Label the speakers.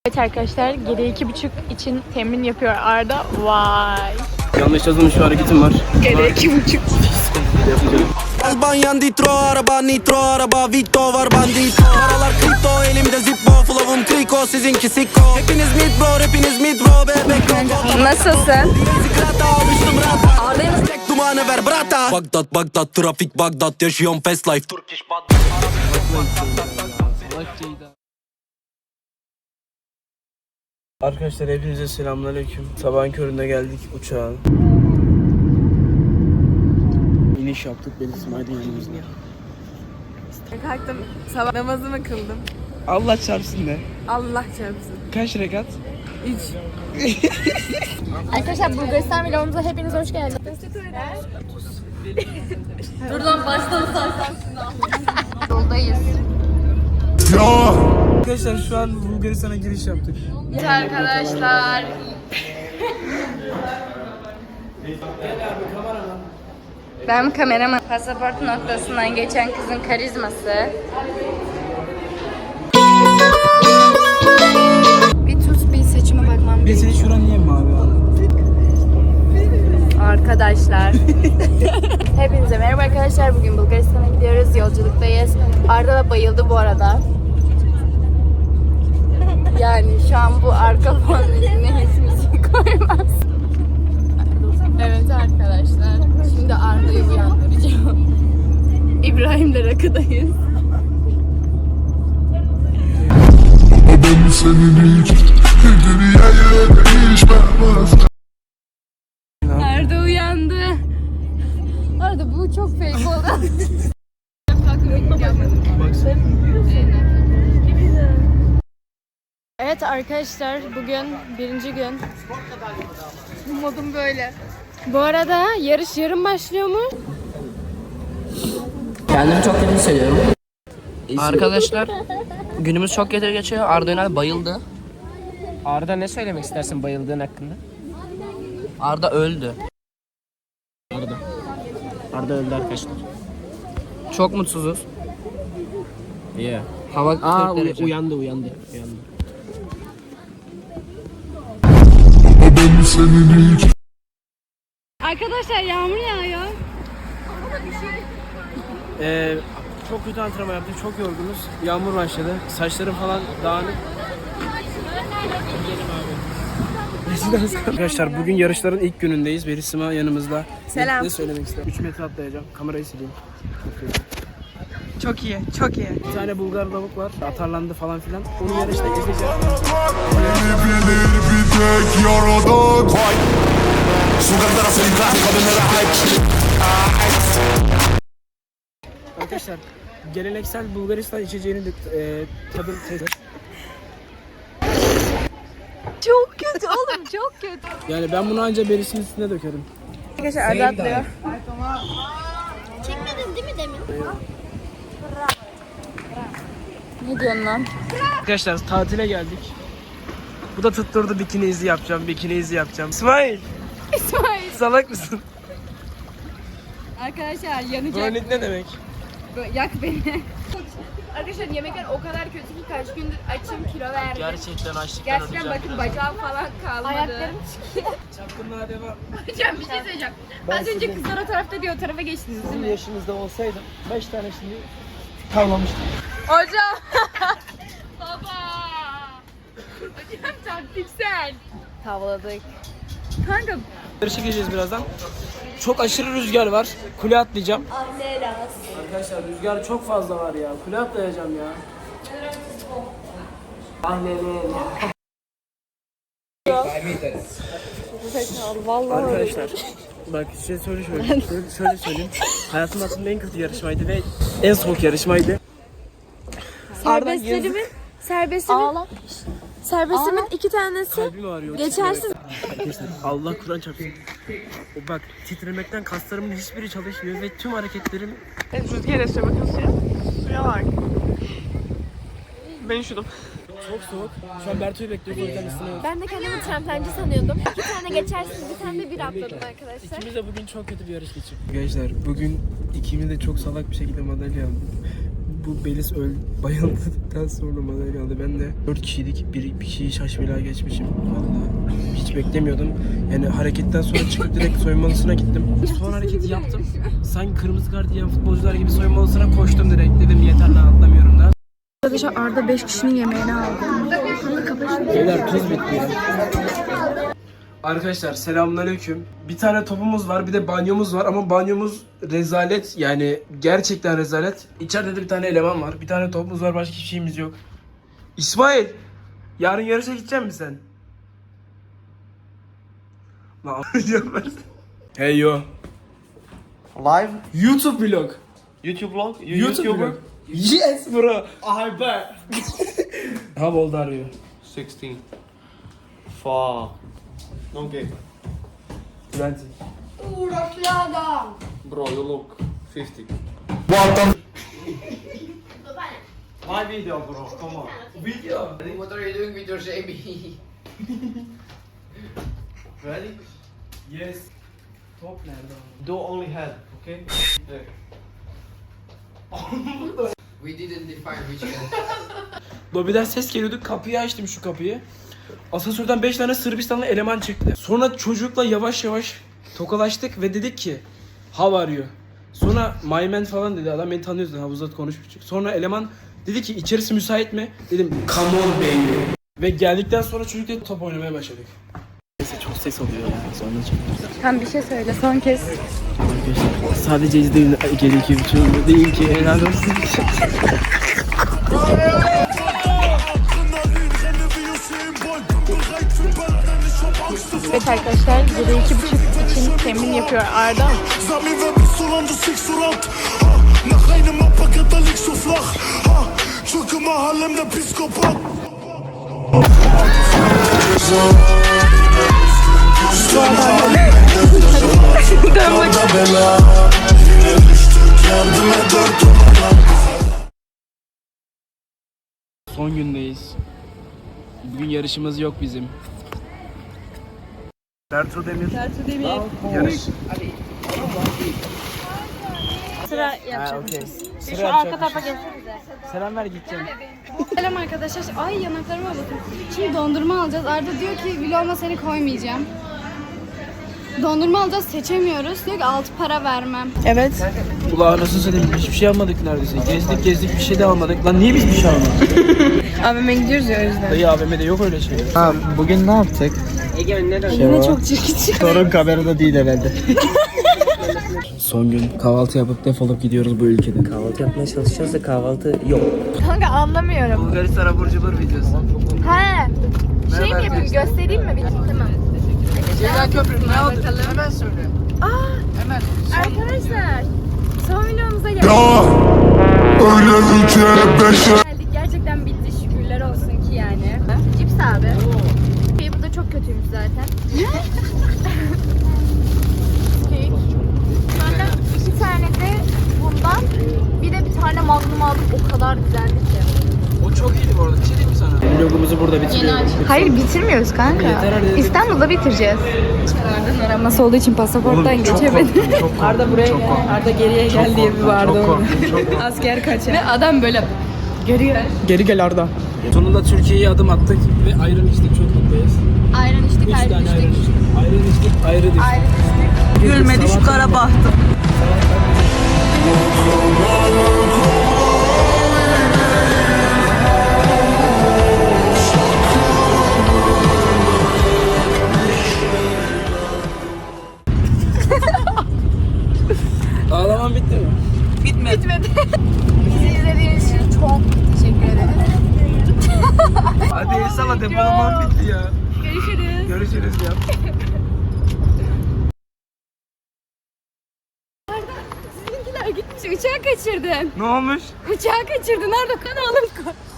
Speaker 1: Evet arkadaşlar, geri 2,5 için temin yapıyor Arda. Vay.
Speaker 2: Yanlış yazılmış bir hareketim var.
Speaker 1: Geri 2,5.
Speaker 3: Albanyan ditro araba nitro araba Vito var bandito. Paralar kripto elimde zippo flow'um kriko sizinki sikko. Hepiniz mid bro hepiniz mid bro bebek.
Speaker 1: Nasılsın?
Speaker 3: Ağlayın. Tek dumanı ver brata. Bagdat trafik Bagdat yaşıyorum fast life. Turkish Bagdat.
Speaker 2: Arkadaşlar hepinize selamünaleyküm. Sabahın köründe geldik uçağa. İniş yaptık, beni İsmail'in yanımızda.
Speaker 1: Kalktım, sabah namazımı kıldım.
Speaker 2: Allah çarpsın de.
Speaker 1: Allah çarpsın.
Speaker 2: Kaç rekat?
Speaker 1: 3. Arkadaşlar Bulgaristan vlogumuza hepiniz hoş geldiniz. Dur lan baştan sarsam şimdi. Yoldayız.
Speaker 2: Arkadaşlar şu an Bulgaristan'a giriş yaptık.
Speaker 1: Evet arkadaşlar. Ben kameraman. Pasaport noktasından geçen kızın karizması. Bir tut bir saçıma bakmam
Speaker 2: Ben
Speaker 1: gerekiyor.
Speaker 2: senin şuran niye mavi abi?
Speaker 1: Arkadaşlar. Hepinize merhaba arkadaşlar. Bugün Bulgaristan'a gidiyoruz. Yolculuktayız. Arda da bayıldı bu arada. Yani şu an bu arka fon müziğine hiç müzik koymaz. Evet arkadaşlar. Şimdi Arda'yı uyandıracağım. İbrahim'le rakıdayız.
Speaker 4: Ben senin hiç dünyaya değişmez.
Speaker 1: Arda uyandı. Arda bu çok fake oldu. Evet arkadaşlar, bugün birinci gün. Modum böyle. Bu arada yarış yarın başlıyor mu?
Speaker 5: Kendimi çok kötü hissediyorum. Arkadaşlar günümüz çok kötü geçiyor. Arda Ünal bayıldı.
Speaker 6: Arda ne söylemek istersin bayıldığın hakkında?
Speaker 5: Arda öldü.
Speaker 6: Arda öldü arkadaşlar.
Speaker 5: Çok mutsuzuz.
Speaker 6: Yeah.
Speaker 5: Hava 40 derece.
Speaker 6: Uyandı.
Speaker 4: Ben senin hiç
Speaker 1: Arkadaşlar yağmur yağıyor.
Speaker 2: Çok kötü antrenman yaptık, çok yorgunuz. Yağmur başladı, saçlarım falan dağınık. Arkadaşlar bugün yarışların ilk günündeyiz. Berisima yanımızda.
Speaker 1: Selam.
Speaker 2: Ne söylemek isterim? 3 metre atlayacağım. Kamerayı sileyim.
Speaker 1: Çok iyi, çok iyi.
Speaker 2: Bir tane Bulgar lavuk var. Atarlandı falan filan. Onu yarışta gezeceğim.
Speaker 4: beni bilir bir tek yaradan. Sokak tarafı kadınlara ait.
Speaker 2: Arkadaşlar geleneksel Bulgaristan içeceğini de tadım test.
Speaker 1: Çok kötü oğlum, çok kötü.
Speaker 2: Yani ben bunu anca berisinin üstüne dökerim.
Speaker 1: Arkadaşlar Arda atlıyor.
Speaker 7: Çekmedin değil mi demin?
Speaker 1: Ne diyorsun lan?
Speaker 2: Arkadaşlar tatile geldik. Bu da tutturdu bikini izi yapacağım, bikini izi yapacağım. İsmail!
Speaker 1: İsmail.
Speaker 2: Salak mısın?
Speaker 1: Arkadaşlar yanacak.
Speaker 2: Kronik ne demek?
Speaker 1: Yak beni. Arkadaşlar yemekler o kadar kötü ki kaç gündür açım, kilo verdim.
Speaker 2: Gerçekten açlıktan
Speaker 1: Gerçekten bakın bacağım falan kalmadı. Ayaklarım çıkıyor.
Speaker 2: Çapkınlığa devam.
Speaker 1: Hocam bir şey söyleyeceğim. Az önce kızlar o tarafta diye o tarafa geçtiniz değil
Speaker 2: Sizin
Speaker 1: mi?
Speaker 2: yaşınızda olsaydım 5 tane şimdi tavlamıştım.
Speaker 1: Hocam. Baba. Hocam taktiksel. Tavladık. Kanka.
Speaker 2: Yarışa gireceğiz birazdan. Çok aşırı rüzgar var. Kule atlayacağım. Arkadaşlar rüzgar çok fazla var ya. Kule atlayacağım ya. Arkadaşlar bak size şöyle söyleyeyim. Hayatımda aslında en kötü yarışmaydı ve en soğuk yarışmaydı.
Speaker 1: Serbestimin 2 tanesi
Speaker 2: Kalbim ağrıyor.
Speaker 1: geçersiz.
Speaker 2: Arkadaşlar Allah Kur'an çarpsın. O bak titremekten kaslarımın hiçbiri çalışmıyor ve tüm hareketlerim...
Speaker 1: Rüzgar esiyor bakın suya bak. Ben üşüdüm.
Speaker 2: Çok soğuk. Şu an Berto'yu bekliyorum. O yüzden ısınıyoruz.
Speaker 7: Ben de kendimi tramplenci sanıyordum. 2 tane geçersiz, bir tane de bir atladım arkadaşlar.
Speaker 2: İkimiz de bugün çok kötü bir yarış geçirdik. Arkadaşlar bugün ikimiz de çok salak bir şekilde madalya aldık. Bu Beliz bayıldıktan sonra bana geldi. Ben de 4 kişiydik. Bir kişiyi şaşmıyla geçmişim. Vallahi hiç beklemiyordum. Yani hareketten sonra çıkıp direkt soyunma odasına gittim. Son hareketi yaptım. Sanki kırmızı kart yiyen futbolcular gibi soyunma odasına koştum direkt. Dedim yeter lan atlamıyorum daha.
Speaker 1: Arkadaşlar Arda 5 kişinin yemeğini aldı.
Speaker 2: Beyler tuz bitti ya. Arkadaşlar selamünaleyküm. Bir tane topumuz var, bir de banyomuz var ama banyomuz rezalet, yani gerçekten rezalet. İçeride de bir tane eleman var, bir tane topumuz var, başka hiçbir şeyimiz yok. İsmail, yarın yarışa gidecek misin sen? Lan hey yo.
Speaker 8: Live
Speaker 2: YouTube vlog.
Speaker 8: YouTube vlog?
Speaker 2: YouTube vlog. Yes bro. I bet. How old are you?
Speaker 8: 16. Fuck. Okay.
Speaker 2: 20.
Speaker 8: Bro, you look 50. My video, bro. Come on.
Speaker 2: Video.
Speaker 5: What are you doing with your shaving?
Speaker 8: Ready?
Speaker 2: Yes. Top nerede?
Speaker 8: Do only head, okay? There.
Speaker 5: We didn't define which one.
Speaker 2: Lobiden ses geliyordu. Kapıyı açtım, şu kapıyı. Asansörden 5 tane Sırbistanlı eleman çıktı. Sonra çocukla yavaş yavaş tokalaştık ve dedik ki how are you? Sonra my man falan dedi. Adam beni tanıyordu. Havuzda konuşmuştuk. Sonra eleman dedi ki içerisi müsait mi? Dedim come on baby. Ve geldikten sonra çocukla top oynamaya başladık. Neyse çok ses oluyor ya. Sonra
Speaker 1: Sen bir şey söyle son kez.
Speaker 2: arkadaşlar sadece izleyin. Gerekiyor bir şey değil ki. Helal olsun.
Speaker 1: Evet arkadaşlar burada 2,5 için temin yapıyor Arda.
Speaker 4: Sag mir, wer bist du, Land, du siehst so rot. Nach einem Abpacker, da liegst du flach. Schicke mal Harlem, der Piskopat.
Speaker 2: Son gündeyiz. Bugün yarışımız yok bizim. Bertu Demir. Yarış.
Speaker 1: Sıra yapacakmışız.
Speaker 2: Sıra
Speaker 1: Şu arka
Speaker 2: yapacakmışız.
Speaker 1: tarafa geçsenize.
Speaker 2: Selam ver gideceğim.
Speaker 1: Selam arkadaşlar. Ay yanaklarıma bakın. Şimdi dondurma alacağız. Arda diyor ki vloguma seni koymayacağım. Dondurma alacağız, seçemiyoruz. Diyor ki 6 para vermem. Evet.
Speaker 2: Ulan nasıl söyleyeyim, hiçbir şey almadık neredeyse. Gezdik bir şey de almadık. Lan niye biz bir şey almadık?
Speaker 1: AVM'ye gidiyoruz ya o yüzden.
Speaker 2: Dayı AVM'de yok öyle şey.
Speaker 8: Ha, bugün ne yaptık?
Speaker 1: Yine çok çirkin.
Speaker 8: Sorun kamerada değil herhalde.
Speaker 2: Son gün kahvaltı yapıp defolup gidiyoruz bu ülkeden.
Speaker 8: Kahvaltı yapmaya çalışacağız da kahvaltı yok.
Speaker 1: Kanka anlamıyorum.
Speaker 2: Bulgaristan abur cubur videosu.
Speaker 1: He. Şey mi yapayım, göstereyim mi? Tamam.
Speaker 2: Ceylan Köprü ne aldık? Hemen söyle. Hemen.
Speaker 1: Arkadaşlar son videomuza geldik.
Speaker 4: Ya öyle ülke beşe.
Speaker 1: Gerçekten bitti, şükürler olsun ki yani. Cips abi. Bu da çok kötüymüş zaten. Kek. Sonra 2 tane de bundan, bir de bir tane magnum aldım, o kadar güzeldi ki.
Speaker 2: O çok iyiydi bu arada. Bir şey diyeyim mi sana? Vlogumuzu burada bitiriyoruz.
Speaker 1: Hayır bitirmiyoruz kanka.
Speaker 2: Yeter hadi.
Speaker 1: İstanbul'da bitireceğiz. Arda'nın araması olduğu için pasaporttan geçemedim.
Speaker 2: Arda buraya gel.
Speaker 1: Arda geriye gel diye bir vardı orada.
Speaker 2: Çok
Speaker 1: Asker kaçar. Ve adam böyle
Speaker 2: Geri gel Arda. Sonunda Türkiye'ye adım attık ve ayran içtik, çok mutluyuz.
Speaker 1: ayran içtik,
Speaker 2: 3
Speaker 1: ayran
Speaker 2: tane ayran
Speaker 1: içtik.
Speaker 2: içtik. Ayran içtik, ayrı düştük.
Speaker 1: Gülmedi şu kara bahtım.
Speaker 2: Ağlaman bitti mi?
Speaker 1: Bitmedi. Bizi izlediğiniz için çok teşekkür ederiz.
Speaker 2: Hadi el salla, depolaman bitti ya.
Speaker 1: Görüşürüz.
Speaker 2: Görüşürüz ya.
Speaker 1: Sizinkiler gitmiş, uçağı kaçırdın.
Speaker 2: Ne olmuş?
Speaker 1: Uçağı kaçırdın. Nerede? Kanalım koy.